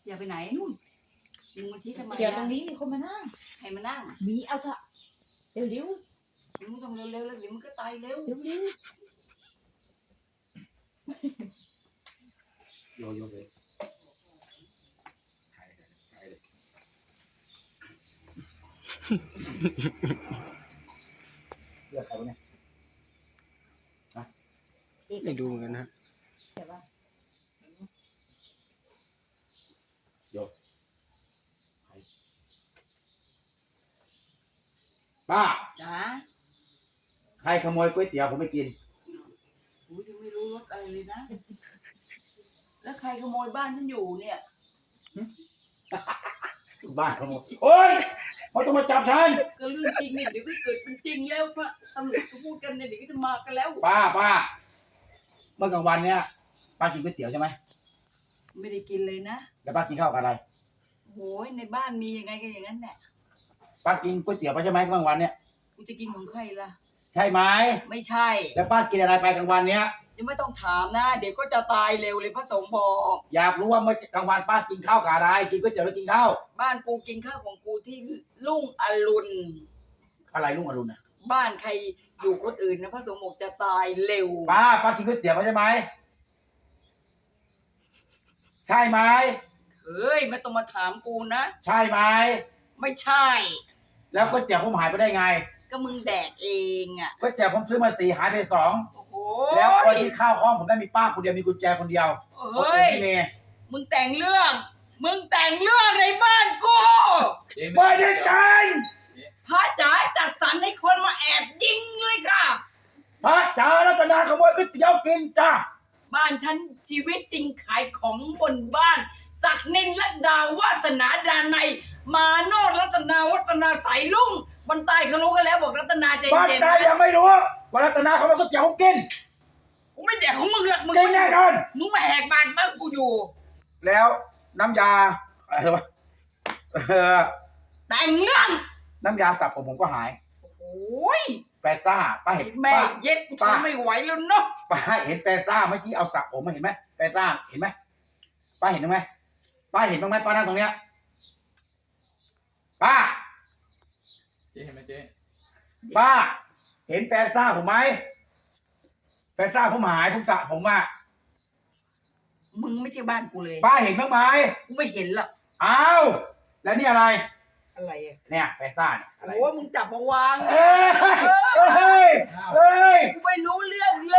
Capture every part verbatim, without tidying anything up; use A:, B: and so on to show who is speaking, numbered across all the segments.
A: อย่าไปไหนนู่นมึงมาที่ทำไม
B: เดี๋ยวตรงนี้มีคนมานั่ง
A: ใครมานั่ง
B: มีเอาเถอะเร็วเร็ว
A: มึงต้องเร็วๆแล้วเดี๋ยวมึงก็ตายเร็ว
B: เร็วเร็ว
C: โยโย่เลยถ่ายเลยถ่ายเลยเลือกใครวะเนี่ย
D: ไม่ดูกันนะ
B: ใช่ปะ
C: โยป้า
A: จ๋า
C: ใครขโมยก๋วยเตี๋ยวผมไม่กิน
A: กูยังไม่รู้รถอะไรเลยนะ แล้วใครขโมยบ้านฉันอยู่เนี่ย
C: บ้านขโมยโอ๊ยเขาต้องมาจับฉัน
A: ก็เรื่องจริงเนี่ยเดี๋ยวก็เกิดเป็นจริงแล้วพระตำรวจก็พูดกันเนี่ยเดี๋ยวก็จะมากันแล้ว
C: ป้าป้าเมื่อกลางวันเนี้ยป้ากินก๋วยเตี๋ยวใช่ไหม
A: ไม่ได้กินเลยนะ
C: แล้วป้ากินข้าวกับอะไร
A: โอ้ยในบ้านมียังไงก็อย่างนั้นแหละ
C: ป้ากินก๋วยเตี๋ยวไปใช่ไหมกลางวันเนี้ย
A: กูจะกินของใครล่ะ
C: ใช่ไหม
A: ไม่ใช่
C: แล้วป้ากินอะไรไปกลางวันเนี้ย
A: ยังไม่ต้องถามนะ เดี๋ยวก็จะตายเร็วเลยพระสงฆ์บอก
C: อยากรู้ว่าเมื่อกลางวันป้ากินข้าวกับอะไรกินก๋วยเตี๋ยวแล้วกินข้าว
A: บ้านกูกินข้าวของกูที่ลุ่งอรุณ
C: อะไรลุงอรุณน่ะ
A: บ้านใครอยู่คนอื่นนะพระสงฆ์บอกจะตายเร็ว
C: ป้าป้ากินก๋วยเตี๋ยวไปใช่ไหมใช่ไหม
A: เฮ้ยไม่ต้องมาถามกูนะ
C: ใช่ไหม
A: ไม่ใช่
C: แล้วก๋วยเตี๋ยวผมหายไปได้ไง
A: ก็มึงแดกเองอ่ะ
C: ก๋วยเตี๋ยวผมซื้อมาสี่หายไปสอง
A: โอ้โห
C: แล้วคนที่เข้าห้องผมได้มีป้าคนเดียวมีกุญแจคนเดียวคน
A: เฮ้
C: อื่น
A: ย
C: ไม่มี
A: มึงแต่งเรื่อง มึงแต่งเรื่องในบ้านกู
C: ไม่ได้แต่ง
A: พระจ๋าจัดสรรให้คนมาแอบยิงเลยค่ะ
C: พระจารัตนาขโมยก๋วยเตี๋ยวกินจ้า
A: บ้านฉันชีวิตจริงขายของบนบ้านศักนินและดาววาสนาดานัยมาโนดรัตนาวัฒนาสายลุ่งบนใต้เขารู้กันแล้วบอกรัตนาใจ
C: บ้าน
A: เย็น
C: ใดยังไม่รู้ว่ารัตนาขโมยก๋วยเตี๋ยวผมกิน
A: กูไม่แดกของมึงหรอกมึง
C: กินแน่นอน
A: มึงมาแหกบ้านบ้านกูอยู่
C: แล้วน้ำยาอะไรวะเออ
A: แต่งเรื่อง
C: น้ำยาสระผมผมก็หาย
A: โอ้ย
C: แฟซ่าป้าเห็น
A: แม่
C: ป้า
A: เย็ดกู
C: ป้า
A: ทนไม่ไหวแล้วเนาะ
C: ป้าเห็นแฟซ่าเมื่อกี้เอาสระผมมาเห็นไหมแฟซ่าเห็นไหมป้าเห็นไหมป้าเห็นบ้างไหมป้านั่งตรงเนี้ยป้า
D: เจ๊เห็นไหมเจ๊
C: ป้า เห็นแฟซ่าผมไหมแฟซ่าผมหายผมสระผมอ่ะ
A: มึงไม่ใช่บ้านกูเลย
C: ป้าเห็นบ้างไหม
A: กูไม่เห็นหรอก
C: อ้าวแล้วนี่อะไร
A: อะไรอ่ะ
C: เนี่ยแฟซ่าเนี่ยอะไร
A: โอ้ยมึงจับมาวาง
C: เอ้ยเอ้ยเอ้ย
A: กูไม่รู้เรื่องเลย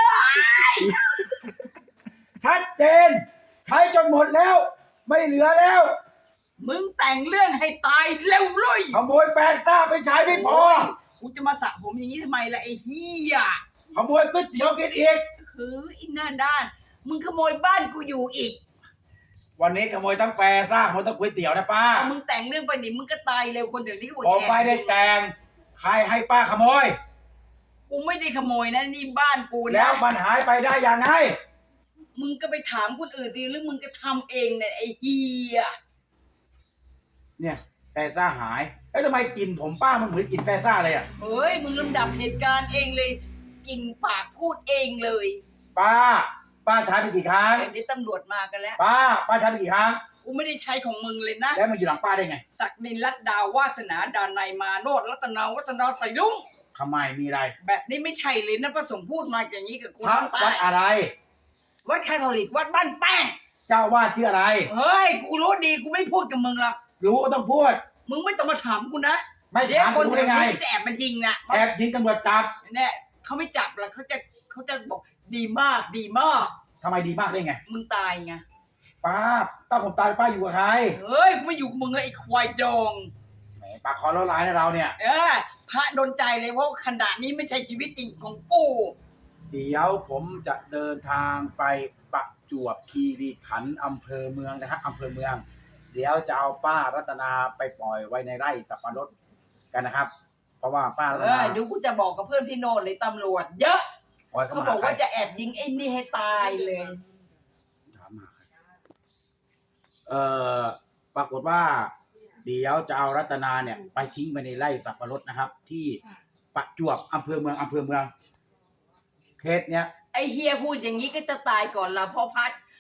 C: ชัดเจน ใช้จนหมดแล้ว ไม่เหลือแล้ว
A: มึงแต่งเรื่องให้ตายเร็วเลย
C: ขโมยแฟซ่าไปใช้ไม่พอ
A: กูจะมาสระผมอย่างนี้ทำไมล่ะไอ้เหี้ย
C: ขโมยก๋วยเตี๋ยวกินอีก
A: เฮ้ยอินหน้าด้าน มึงขโมยบ้านกูอยู่อีก
C: วันนี้ขโมยทั้งแฟซ่าขโมยทั้งก๋วยเตี๋ยวนะป้า
A: เอามึงแต่งเรื่องไปนี่มึงก็ตายเร็วคนเดี๋ยวนี้ก็บอก
C: ผม
A: แอบ
C: ไม่ได้แต่ง ใครให้ป้าขโมย
A: กูไม่ได้ขโมยนะนี่บ้านกู
C: แล้
A: นะ
C: วมันหายไปได้ยังไง
A: มึงก็ไปถามคนอื่นดิหรือมึงก็ทำเองเนี่ยไอ้เหี้ย
C: เนี่ยแฟซ่าหาย แล้วทำไมกลิ่นผมป้ามันเหมือนกลิ่นแฟซ่าเลยอ่ะ
A: เฮ้ยมึงลำดับเหตุการณ์เองเลยกินปากพูดเองเลย
C: ป้า ป้าใช้ไปกี่ครั้ง
A: เดี๋ยวตำรวจมากันแล้ว
C: ป้า ป้าใช้ไปกี่ครั้ง
A: กูไม่ได้ใช้ของมึงเลยนะ
C: แล้วมันอยู่หลังป้าได้ไง
A: ศักดินรัตดาววาสนาดานายมาโนดรัตนาวัฒนาใส่ลุง
C: ทำไมมีอะไร
A: แบบนี้ไม่ใช่เลยนะพระสงฆ์พูดมาอย่างนี้กับกู
C: พระ
A: น้ำตา
C: วัดอะไร
A: วัดคาทอลิกวัดบ้านแป้ง
C: เจ้าวาดชื่ออะไร
A: เฮ้ยกูรู้ดีกูไม่พูดกับมึงหรอก
C: รู้ก็ต้องพูด
A: มึงไม่ต้องมาถามกูนะ
C: ไม่
A: เดี๋ยว
C: ถาม
A: คน
C: รู้
A: แถ
C: ได้
A: ว
C: ไง
A: นี้จะแอบมันยิงนะ
C: แอบยิงตำรวจจับ
A: เนี่ยเขาไม่จับหรอกเขาจะเขาจะบอกดีมากดีมาก
C: ทำไมดีมากได้ไง
A: มึงตายไง
C: ป้าป้าผมตายป้าอยู่กับใคร
A: เฮ้ยกูไม่อยู่กับมึงเลยไอ้ควายดอง
C: แหมปากคอแล้วร้ายนะเราเนี่ย
A: เออพระโดนใจเลยเพราะขณะนี้ไม่ใช่ชีวิตจริงของกู
C: เดี๋ยวผมจะเดินทางไปประจวบคีรีขันธ์อำเภอเมืองนะครับอำเภอเมือง เดี๋ยวจะเอาป้ารัตนาไปปล่อยไว้ในไร่สับปะรดกันนะครับ เพราะว่าป้ารั
A: เอ
C: ตนา
A: อเดี๋ยวกูจะบอกกับเพื่อนพี่โนนเลยตำรวจเยอะ
C: ปล่อย
A: เขา
C: เข้า
A: บ
C: มา
A: อก
C: ใคร
A: ว่าจะแอบยิงไอ้นี่ให้ตายเลย
C: ถามมาใครเอ่อปรากฏว่า เดี๋ยวจะเอารัตนาเนี่ย ไปทิ้งไปในไร่สับปะรดนะครับ ที่ประจวบอำเภอเมืองอำเภอเมืองเคสเนี้ย
A: ไอ้เฮียพูดอย่างนี้ก็จะตายก่อนละเพราะพัด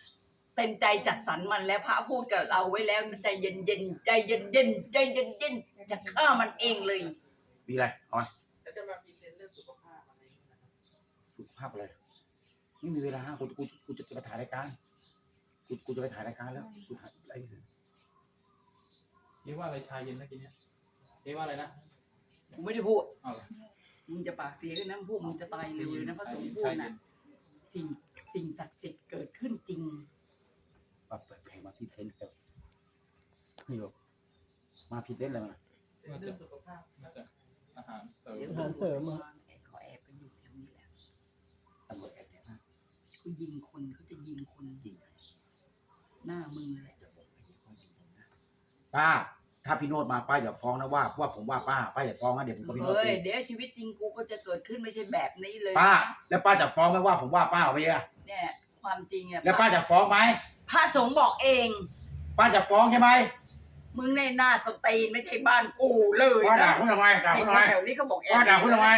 A: เต็มใจจัดสรรมันแล้วพระพูดกับเราไว้แล้วใจเย็นเย็นๆใจเย็นเย็นๆใจเย็นเย็นๆจะฆ่ามันเองเลย
C: มีอะไรเอาไหม
D: แล้วจะมาพิมพ์เรื่องสุขภาพอะไรอย่างเงี้ยนะ
C: สุขภาพอะไรไม่มีเวลากูกูกูจะไปถ่ายรายการกูกูจะไปถ่ายรายการแล้วกูถ่ายอะไรสิ
D: เรียกว่าอะไรชายเย็นนะกินเนี้ยเรียกว่าอะไรนะ
A: กูไม่ได้พูด
D: เอาเหรอ
A: มึงจะปากเสียกันนะพวกมึงจะตายเร็วเลยนะพระสงฆ์พูด
D: ชายเย็
A: นะ
D: น
A: สิ่งสิ่งศักดิ์สิทธิ์เกิดขึ้นจริง
C: มาเปิดเพลงมาพิเศษเลยนี่โยมาพิเศษเลยมั้ย
D: เรื่องสุขภาพน่าจะอาหารเสริม
A: เดี๋ยวตำรวจมาแอบเขาแอบกันอยู่แถวนี้แหละ
C: ตำรวจแอบเนี่ยนะ
A: เขายิงคนเขาจะยิงคนยิงหน้ามึงแหละ
C: ป้าถ้าพี่โนดมาป้าอย่าฟ้องนะว่าว่าผมว่าป้าป้าอย่าฟ้องนะเดี๋ยวผมก็พี่โนด
A: เฮ้ย
C: เอง
A: เดี๋ยวชีวิตจริงกูก็จะเกิดขึ้นไม่ใช่แบบนี้เลย
C: ป้า
A: นะ
C: แล้วป้าจะฟ้องไหมว่าผมว่าป้าเอาไปอะ
A: เนี่ยความจริงอะ
C: แล้วป้าจะฟ้องไหม
A: พระสงฆ์บอกเอง
C: ป้าจะฟ้องใช่ไหม
A: มึงในหน้าสตรีนไม่ใช่บ้านกูเลย
C: ป้าด่า
A: นะ
C: คุณทำไมด่า
A: นี่
C: คุณทำไม
A: แถวนี้เขาบอกแอบ
C: ป้าด่าคุณทำไม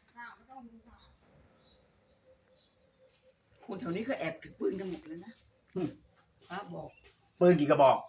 A: คุณแถวนี้เขาแอบถือปืนกันหมดเลยนะพระบอก
C: ปืนกี่กระบอก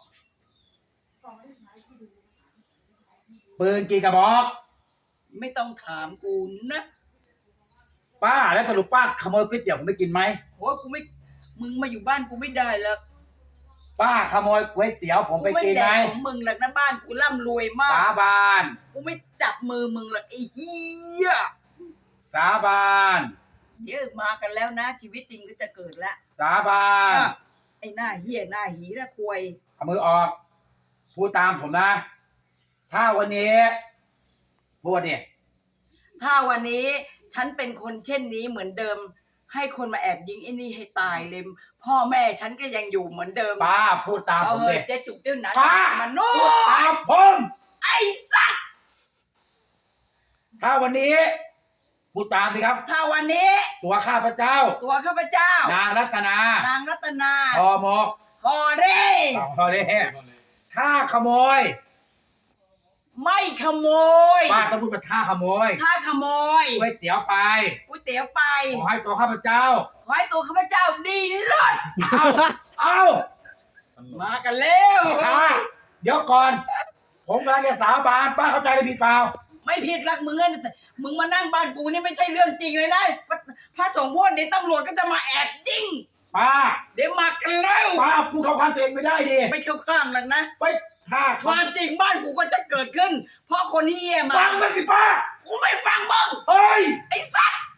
C: ปืนกี่กระบอก
A: ไม่ต้องถามกูนะ
C: ป้าแล้วสรุปป้าขโมยก๋วยเตี๋ยวผมไม่กินไหม
A: โหกูไม่มึงมาอยู่บ้านกูไม่ได้แล้ว
C: ป้าขโมยก๋วยเตี๋ยวผม
A: กู
C: ไป
A: ไม่
C: กิน
A: แด
C: ไหม
A: กของมึงหรอกนะบ้านกูร่ำรวยมา
C: สาก บาน
A: กูไม่จับมือมึงหรอกไอ้เหี้ย
C: สาบาน
A: เดี๋ยวมากันแล้วนะ ชีวิตจริงก็จะเกิดละ
C: สาบาน
A: อ่ะไอ้หน้าเหี้ยหน้าหีหน้าควย
C: เอามือออกพูดตามผมนะ ถ้าวันนี้พูดเนี่ย
A: ถ้าวันนี้ฉันเป็นคนเช่นนี้เหมือนเดิม ให้คนมาแอบยิงไอ้นี่ให้ตายเลยพ่อแม่ฉันก็ยังอยู่เหมือนเดิม
C: ป้าพูดตาม
A: เอา
C: ผม
A: เฮ้
C: เลย ย
A: เจ๊จุกเจ้าหนา
C: ป้า
A: มันโน้
C: พูดตามผม
A: ไอ้สัตว์
C: ถ้าวันนี้พูดตามสิครับ
A: ถ้าวันนี้
C: ตัวข้าพเจ้า
A: ตัวข้าพเจ้าน
C: างรัตนาน
A: างรัตนา
C: พอหมก
A: ฮอเร่
C: สองพอเลยถ้าขโมย
A: ไม่ขโมย
C: ป้าต้องพูดว่าถ้าขโมย
A: ถ้าขโมย
C: ก๋วยเตี๋ยวไป
A: ก๋วยเตี๋ยวไป
C: ขอให้ตัวข้าพเจ้า
A: ขอให้ตัวข้าพเจ้าดีเลิศ
C: เอาเอา
A: มากันแล้ว
C: ป้าเดี๋ยวก่อน ผมกำลังจะสาบานป้าเข้าใจหรือผิดเปล่า
A: ไม่ผิดหลักมึงอะมึงมานั่งบ้านกูนี่ไม่ใช่เรื่องจริงเลยนะพระสงฆ์พูดเดี๋ยวตำรวจก็จะมาแอบยิง
C: ป้า
A: เดี๋ยวมากันแล้ว
C: ป้าพูดเข้าข้างตัวเองไม่ได้ดิ
A: ไม่เข้าข้างหรอกนะ
C: ไปถ้า
A: ค
C: เขา
A: วามจริงบ้านกูก็จะเกิดขึ้น เพราะคนที่เยี่ยมา
C: ฟังไหมสิป้า
A: กูไม่ฟังมึง
C: เฮ้ย
A: ไอ้สัตว์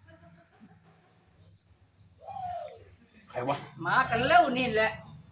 C: ใครวะ
A: มากันแล้วนี่แหละ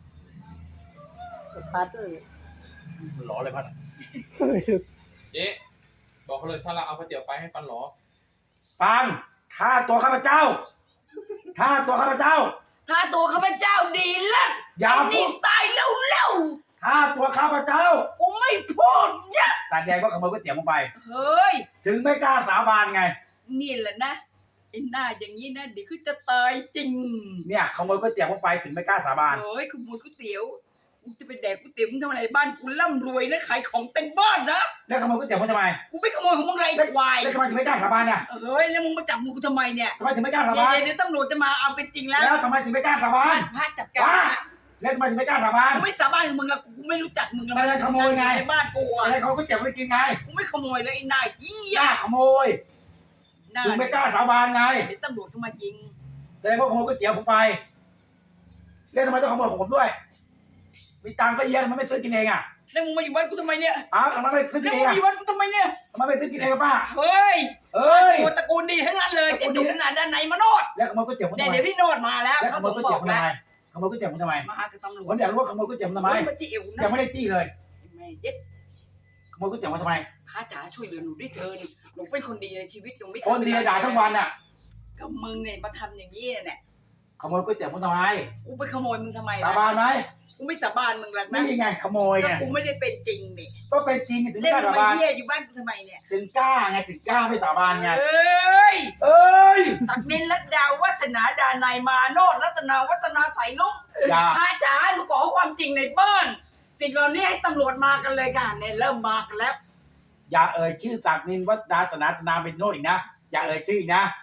C: หลอเลยพัด
D: เจ๊บอกเขาเลยถ้าเราเอาก๋วยเตี๋ยวไปให้ฟันหลอ
C: ปังถ้าตัวข้าพเจ้า ถ้าตัวข้าพเจ้า
A: ถ้าตัวข้าพเจ้าดีเลิศ
C: อย่า
A: ไอ้
C: พู
A: นี่
C: ด
A: ตายเร็ว
C: ถ้าตัวข้าพเจ้า
A: ๆกูไม่พูดเยอะ
C: แสดงว่าขโมยก๋วยเตี๋ยวผมไป
A: เฮ้ย
C: ถึงไม่กล้าสาบานไง
A: นี่แหละนะไอ้หน้าอย่างนี้นะเดี๋ยวคือจะตายจริง
C: เนี่ยขโมยก๋วยเตี๋ยวผมไปถึงไม่กล้าสาบาน
A: เฮ้ยขโมยก๋วยเตี๋ยวกูจะไปแดกก๋วยเตี๋ยวมึงทำอะไรบ้านกูร่ำรวยนะขายของเต็มบ้านนะ
C: แล้วขโมยก๋วยเตี๋ยวผมทำไม
A: กูไม่ขโมยของมึงไรควาย
C: แล้วทำไมถึงไม่กล้าสาบานเนี่ย
A: เฮ้ยแล้วมึงมาจับมือกูทำไมเนี่ย
C: ทำไมถึงไม่กล้าสา
A: เดี๋ย
C: บา
A: วน เดี๋ยวตำรวจจะมาเอาเป็นจริงแล้ว
C: แล้วทำไมถึงไม่กล้าสาบาน
A: พระจัดกา
C: ว่าร แล้วทำไมถึงไม่กล้าสาบาน
A: กูไม่สาบานกับมึงละกูไม่รู้จักมึงละ
C: ไม่ได้ขโมยไง
A: ในบ้านกูอะ
C: อะไรเขาก๋วยเตี๋ยวไม่กินไง
A: กูไม่ขโมยแล้วไอ้นายเหี้ย
C: กล้าขโมย
A: หน้า
C: ถึงไม่กล้าสาบานไง
A: เดี๋ยวตำรวจก็มายิง
C: แสดงว่าขโมยก๋วยเตี๋ยวผมไปแล้วทำไมต้องขโมยของผมด้วย มีตังค์ก็เยอะทำไมันไม่ซื้อกินเองอ่ะ
A: แล้วมึงมาอยู่บ้านกูทำไมเนี่ย
C: อ้าวทำไมไม่ซื้อกิ
A: แล้
C: น
A: ว
C: เอ
A: มึง
C: ง
A: มา
C: อ่ะ
A: อยู่บ้านกูทำไมเนี่ย
C: ทำไมไม่ซื้อกินเองอะป้า
A: เฮ้ย
C: เอ้ย
A: กูตระกูลดีทั้งนั้นเลย
C: ตระกู
A: จะ
C: ลดี
A: ดูขนาดด้านในมาโนด
C: แล้วขโมยก๋วยเตี๋ยวผม
A: เนี่ย
C: ทำไม
A: เดี๋ยวพี่โนดมาแล้ว
C: แล้วข
A: เขา
C: โม
A: ถึ
C: ย
A: ง
C: ก๋วย
A: บ
C: เตี๋
A: อย
C: ว
A: ก
C: ผมทำไมขโมยก๋วยเตี๋ยวผมทำไม
A: มากับตำรว
C: ผ
A: จ
C: มอยากรู้ว่าขโมยก๋วยเตี๋ยวผมทำไม
A: เฮ้ยมาจิ๋วนะ
C: ยังไม่ได้จี้เลย
A: แม่เย็ด
C: ขโมยก๋วยเตี๋ยวมาทำไม
A: พระจ๋าช่วยเหลือหนูด้วยเถินหนูเป็นคนดีในชีวิตหนูไม่
C: คนดีด่าทั้งวันอ่ะ
A: ก็มึงเนี่ยมาทำอย่างนี้เนี่ย
C: ขโมยก๋วยเตี๋ยวผมทำไม
A: กูไปขโมยมึงทำไม
C: สา
A: ล่ะ
C: บานไหม
A: กูไม่สาบานมึงหรอกนะ
C: นี่ไงขโมย
A: ก็
C: ไง
A: กูไม่ได้เป็นจริงนี่
C: ก็เป็นจริงถึง
A: เล่น
C: กล้า
A: ทำ
C: สา
A: ไม
C: บาน
A: เฮียอยู่บ้านกูทำไมเนี่ย
C: ถึงกล้าไงถึงกล้าไม่สาบานไง
A: เอ้ย
C: เอ้ย
A: ศักดินรัตดาวัฒนาดานายมาโนดรัตนาวัฒนาใสลุง
C: อย่า
A: พระจ๋าหนูขอความจริงในบ้านสิ่งเหล่านี้ให้ตำรวจมากันเลยค่ะเนี่ยเริ่มมากันแล้ว
C: อย่าเอ่ยชื่อศักดินวัฒนาตนาตนาเป็นโนดอีกนะอย่าเอ่ยชื่ออีกนะ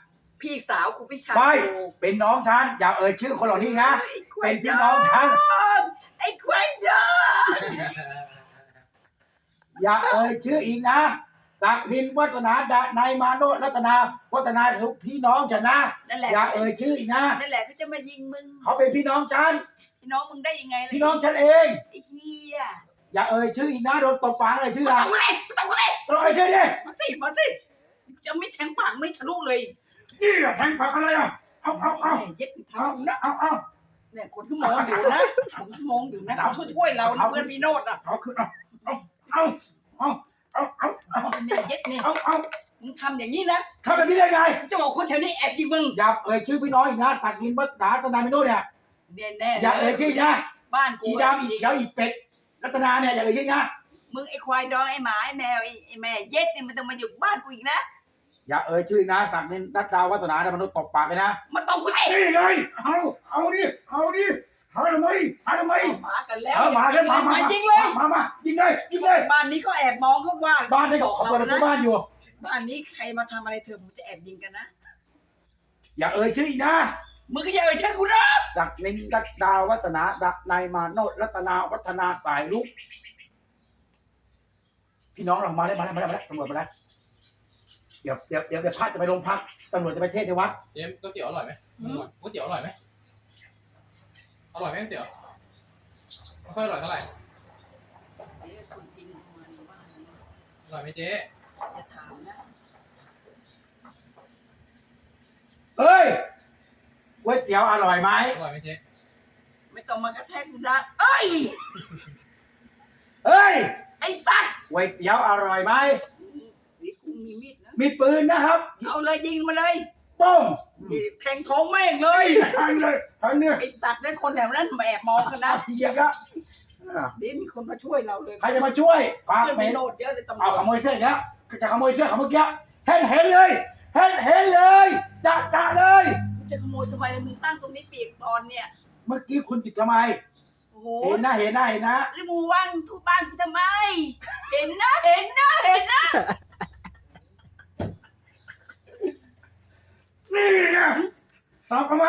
A: พี่สาวคุณพี่ชาย
C: ไม่
A: กู
C: เป็นน้องฉันอย่าเอ่ยชื่อคนเหล่านี้นะ
A: ไอ้ควา
C: เป็
A: ย
C: นพี่น้องฉัน
A: ไอ้ควายดอน
C: อย่าเอ่ยชื่ออีกนะจากดินวัฒนาดานายมาโนรัตนาวัฒนาลูกพี่น้องฉันนะ
A: นั่นแหละ
C: อย่าเอ่ยชื่ออีกนะ
A: นั่นแหละเขาจะมายิงมึง
C: เขาเป็นพี่น้องฉัน
A: พี่น้องมึงได้ยังไงล่ะ
C: พี่น้องฉันเอง
A: ไอ้เหี้ย
C: อย่าเอ่ยชื่ออีกนะโดนตบปากเลยชื่อ
A: ต้
C: อะ
A: องเลยต้องเลย
C: ต้องเอ่ยชื่อดิ
A: มาสิมาสิจะไม่แทงปากไม่ทะลุเลย
C: นี่แหละแทงปากอะไรอ่ะเอาเอาเอา
A: เย็ด
C: เอา
A: ทำนะ
C: เอาเอา
A: เนี่ยคนที่มองอยู่นะคนที่มองอยู่นะเขาช่วยช่วยเรานะเพื่อนพี่โนดอ่ะ
C: เอาขึ้นเอาเอาเอาเอาเอาเอาเอา
A: เนี่ยเย็ดเนี่ย
C: เอาเอา
A: มึงทำอย่างนี้นะ
C: ทำแบบนี้ได้ไง
A: จะบอกคนแถวนี้แอบยิงมึง
C: อย่าเอ่ยชื่อพี่น้องอีกนะจากดินวัฒนารัตนาไม่โนเนี่ย
A: เนี่ยแน่
C: อย่าเอ่ยชื่ออีกนะ
A: บ้านกู
C: อีดำอีเขียวอีเป็ดรัตนาเนี่ยอย่าเอ่ยชื่ออีกนะ
A: มึงไอ้ควายดองไอ้หมาไอ้แมวไอ้ไอ้แม่เย็ดเนี่ยมันต้องมาอยู่บ้านกูอีกนะ
C: อย่าเอ่ยชื่ออีกนะสักดินรัตนาวัฒนาเนี่ยมนุษย์ตบปากเลยนะ
A: มันต้องกูสิ
C: นี่ไงเอาเอาดิเอาดิหาทำไมหาทำไม
A: มากันแล้ว
C: เออมาเลยมามา
A: ยิงเลย
C: มามายิงเลยยิงเลย
A: บ้านนี้ก็แอบมองเขาว่า
C: บ้านได้เขาเปิดประตูบ้านอยู่
A: บ้านนี้ใครมาทำอะไรเธอผมจะแอบยิงกันนะ
C: อย่าเอ่ยชื่ออีกนะ
A: มึงก็อย่าเอ่ยชื่อกูนะ
C: สักดินรัตนาวัฒนาดนายมาโนรัตนาวัฒนาสายลุกพี่น้องเรามาแล้วมาแล้วมาแล้วมาแล้วตำรวจมาแล้วเดี๋ยวเดี๋ยวเดี๋ยวเดี๋ยวพระจะไปโรงพักตำรวจจะไปเทศในวัด
D: เจ๊ก๋วยเตี๋ยวอร่อยไหมก๋วยเตี๋ยวอร่อยไหมอร่อยไหมก๋วยเตี๋ยวไม่ค่อยอร่อยเท่าไหร่
A: เดี๋ยวคนจริงมาในบ้านนะ
D: อร่อยไหมเจ๊
A: จะถามนะ
C: เฮ้ยก๋วยเตี๋ยวอร่อยไหม
D: อร่อยไหมเจ๊
A: ไม่ต้องมากระแทกกูนะเอ้ย
C: เฮ้ย
A: ไอ้สัตว์
C: ก๋วยเตี๋ยวอร่อยไหม
A: นี่กูมีมีดนะ
C: มีปืนนะครับ
A: เอาเลยยิงมาเลย
C: ป้ง
A: แทงท้องแม่งเลย
C: ทางเลยทางเนี่ย
A: ไอ้สัตว์นั่นคนแถวนั้นมาแอบมองกันนะ
C: เหยียบละอ่ะ
A: เดี๋ยวมีคนมาช่วยเราเลย
C: ใครจะมาช่วยปาก
A: เพื่อน
C: เหม็
A: มี
C: น
A: โนดเยอะเลยตำร
C: เอา
A: วจ
C: ขโมยเสื้ออีกแล้วจะขโมยเสื้อเขาเมื่อกี้เห็นเห็นเลยเห็นเห็นเลยจะจะเลย
A: จะขโมยทำไมมึงตั้งตรงนี้เปียกตอนเนี่ย
C: เมื่อกี้คุณจิตทำไม
A: โอ้โห
C: เห็นนะเห็นนะเห็นนะ
A: แล้วมึงว่างทุบบ้านกูทำไม เห็นนะเห็นนะเห็นนะ
C: นี่ไงสอบทำไม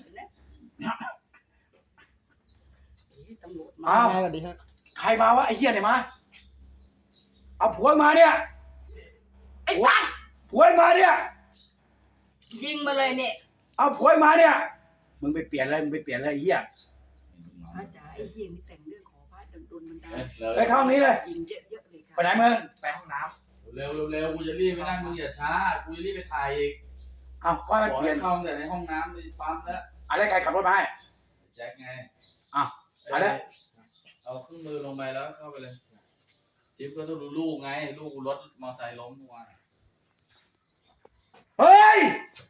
A: ตำรวจมา
C: อ้าว
E: สวัสดีครับ
C: ใครมาวะไอ้เหี้ยไหนมาเอาผัวมาเนี่ย
A: ไอ้สัตว์
C: ผัวมาเนี่ย
A: ยิงมาเลยเนี่ย
C: เอาผัวมาเนี่ยมึงไปเปลี่ยนเลยมึงไปเปลี่ยนเลยไอ้เหี้ย
A: พระจ๋าไอ้เฮียนี่แต่งเรื่องขอพระดนดนบันดาล
C: ไปเข้าห้องนี้เลย
A: ยิงเยอะๆเลย
C: ไป
A: ค่ะ
C: ไหนมึง
D: ไปห้องน้ำเร็วเร็วๆกูจะรีบไปนั่งมึงอย่าช้ากูจะรีบไปถ่ายอีก
C: เอาก้อย
D: บ
C: มัน
D: อก
C: เปลี่ย
D: ให้
C: น
D: เข้าแต่ในห้องน้ำไปปั๊มแล้ว
C: อะไรใครขับรถมาให้
D: แจ็คไง
C: อ่ะเอาละ
D: เอาเครื่องมือลงไปแล้วเข้าไปเลยจิ๊บก็ต้องดูลูกไงลูกรถมอเตอร์ไซค์ล้มเมื่อวาน
C: เฮ้ย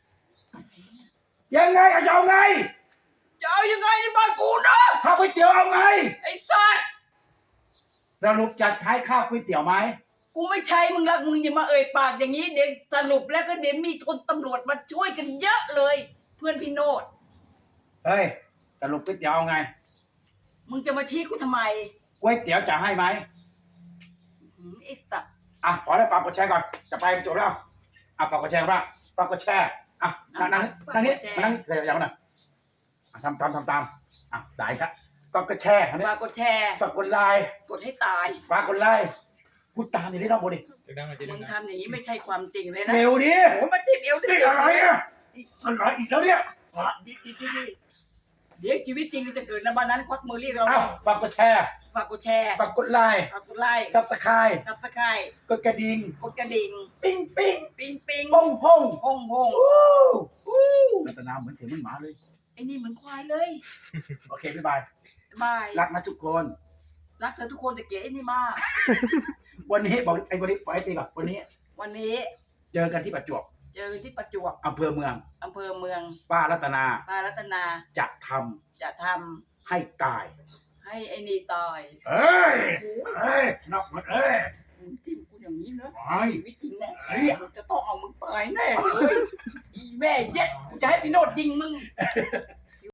C: ยังไงอะจะเอาไง
A: จะเอายังไงในบ้านกูนะ
C: ข้าวก๋วยเตี๋ยวเอาไง
A: ไอ้สัตว์
C: สรุปจะใช้ข้าวก๋วยเตี๋ยวไหม
A: กูไม่ใช่มึงละมึงอย่ามาเอ่ยปากอย่างนี้เดี๋ยวสรุปแล้วก็เดี๋ยวมีคนตำรวจมาช่วยกันเยอะเลย เพื่อนพี่โนด
C: เฮ้ยสรุปก๋วยเตี๋ยวเอาไง
A: มึงจะมาชี้กูทำไม
C: ก๋วยเตี๋ยวจะให้ไหม
A: หืมไอ้สัตว์
C: อ่ะขอได้ฝากกดแชร์ก่อนจะไปจบแล้วอ่ะฝากกดแชร์บ้างฝากกดแชร์อ่ะนั่งนั่งนั่งนี่มานั่งเดี๋ยวอย่างนั้นนะอ่ะทำตามทำตามอ่ะได้ครับฝากกดแชร์อันนี้
A: ฝากกดแชร์
C: ฝากกดไลค์
A: กดให้ตาย
C: ฝากกดไลค์พูดตามอย่างนี้น้องโบดิ
D: ดังๆมาเจ๊
A: มึ
D: ดั
A: ง
D: งๆ
A: ทำอย่างนี้ไม่ใช่ความจริงเลยนะ
C: เร็วดิ
A: โอ้มาจีบเอว
C: จริงอะไรอ่ะอะไรอีกแล้วเนี่ยอ่ะอีกอีกอีกอีก
A: เดี๋ยวชีวิตจริงจะเกิดในบ้านนั้นควักมือเรียกเรา
C: อ้าวฝากกดแชร์
A: ฝากกดแชร์
C: ฝากกดไลค์
A: ฝากกดไลค์
C: ซับสไครต์
A: ซับสไครต์
C: กดกระดิ่ง
A: กดกระดิ่ง
C: ปิ้งปิ้ง
A: ปิงปิง
C: ป้องป้อง
A: พงพง
C: อู้
A: อู้
C: รัตนาเหมือนเสียงมันหมาเลย
A: ไอ้นี่เหมือนควายเลย
C: โอเคบ๊ายบาย
A: บาย
C: รักนะทุกคน
A: รักเธอทุกคนแต่เกลียดไอ้นี่มาก
C: วันนี้บอกไอ้วันนี้ปล่อยให้ตีก่อนวันนี้
A: วันนี้
C: เจอกันที่ประจวบ
A: เจอที่ประจวบ
C: อำเภอเมือง
A: อำเภอเมือง
C: ป้ารัตนา
A: ปารัตนา
C: จะท
A: จะท
C: ำให้ตาย
A: ำให้ไอ้นี่ตาย
C: เอ้ย
A: โอ้ย
C: เอ้ยนอกหมดเอ้ย
A: มึงจิ้มกูอย่างนี้นะ
C: ไอ้
A: ชีวิตจริงแน่เนี่ยจะต้องเอามึงตายแน่เลยอีแม่เย็ดกูจะให้พี่โนดยิงมึง